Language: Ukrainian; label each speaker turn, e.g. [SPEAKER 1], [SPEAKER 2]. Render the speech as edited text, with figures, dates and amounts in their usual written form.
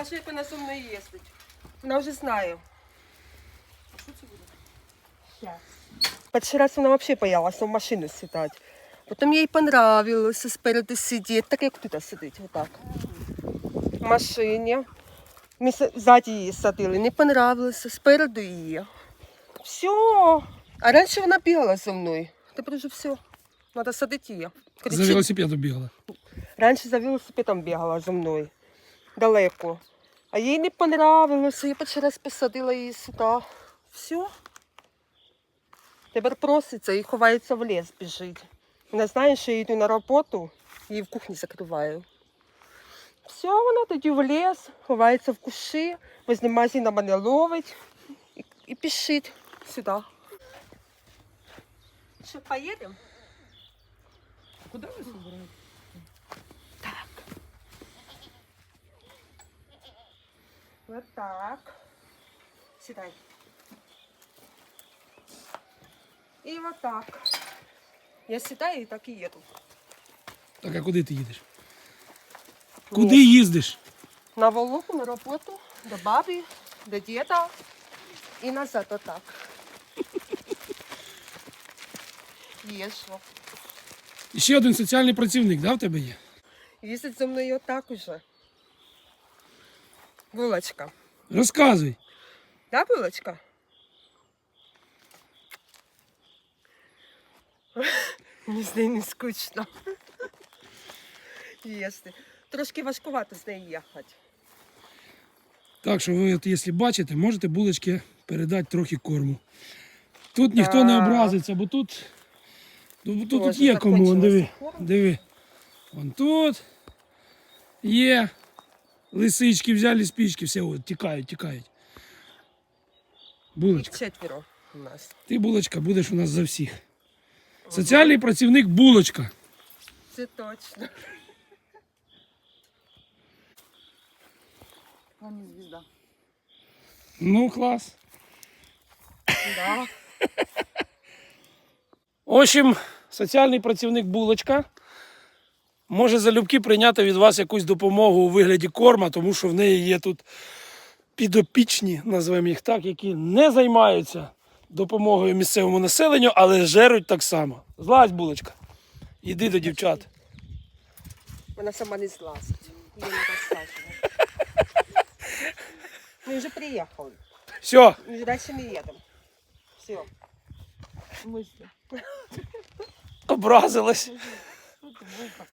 [SPEAKER 1] покажи, як вона зі мною їздить. Вона вже знає. А що це буде? Щас. Перший раз вона взагалі боялася в машину сідати. Потім їй понравилося спереду сидіти, так як тут сидить, отак. В машині. Ми ззаді її садили, не понравилося, спереду її. Все. А раніше вона бігала зі мною. Тепер вже все. Треба садити її.
[SPEAKER 2] За велосипедом бігала.
[SPEAKER 1] Раніше за велосипедом бігала зі мною. Далеко. А їй не понравилося. Я перший раз посадила її сюди. Все. Тепер проситься і ховається в ліс, біжить. Вона знає, що я йду на роботу, її в кухні закриваю. Все, вона тоді в ліс, ховається в кущі, возле магазина мене ловить і пішить сюди. Що, поїдемо?
[SPEAKER 2] Куди ви збираєте?
[SPEAKER 1] Так. Вот так. Сідай. І вот так. Я сідаю і так і їду.
[SPEAKER 2] Так, а куди ти їдеш? Куди їздиш?
[SPEAKER 1] На Волоку, на роботу, до баби, до діда і назад отак. Їжджу.
[SPEAKER 2] І ще один соціальний працівник, да, в тебе є?
[SPEAKER 1] Їздить зі мною отак уже. Булочка.
[SPEAKER 2] Розказуй.
[SPEAKER 1] Да, булочка? Мені з нею не скучно. Їсти. Трошки важкувато з нею їхати.
[SPEAKER 2] Так що ви, от, якщо бачите, можете булочки передати трохи корму. Тут ніхто не образиться, бо тут
[SPEAKER 1] Боже,
[SPEAKER 2] є кому. Вон, диви,
[SPEAKER 1] закончилося корм.
[SPEAKER 2] диви. Вон тут є. Лисички взяли спички, все, от, тікають. Булочка.
[SPEAKER 1] Їх 4 у нас.
[SPEAKER 2] Ти, булочка, будеш у нас за всіх. Соціальний працівник булочка.
[SPEAKER 1] Це точно.
[SPEAKER 3] Вон звезда.
[SPEAKER 2] Ну, клас.
[SPEAKER 1] Да.
[SPEAKER 2] В общем, соціальний працівник булочка може залюбки прийняти від вас якусь допомогу у вигляді корма, тому що в неї є тут підопічні, назвемо їх так, які не займаються допомогою місцевому населенню, але жеруть так само. Злазь, булочка. Іди до дівчат.
[SPEAKER 1] Вона сама не злазить. Її не розсаджує. Ми вже приїхали.
[SPEAKER 2] Все.
[SPEAKER 1] Ми вже далі не їдемо. Все.
[SPEAKER 3] В смысле?
[SPEAKER 2] Образилась.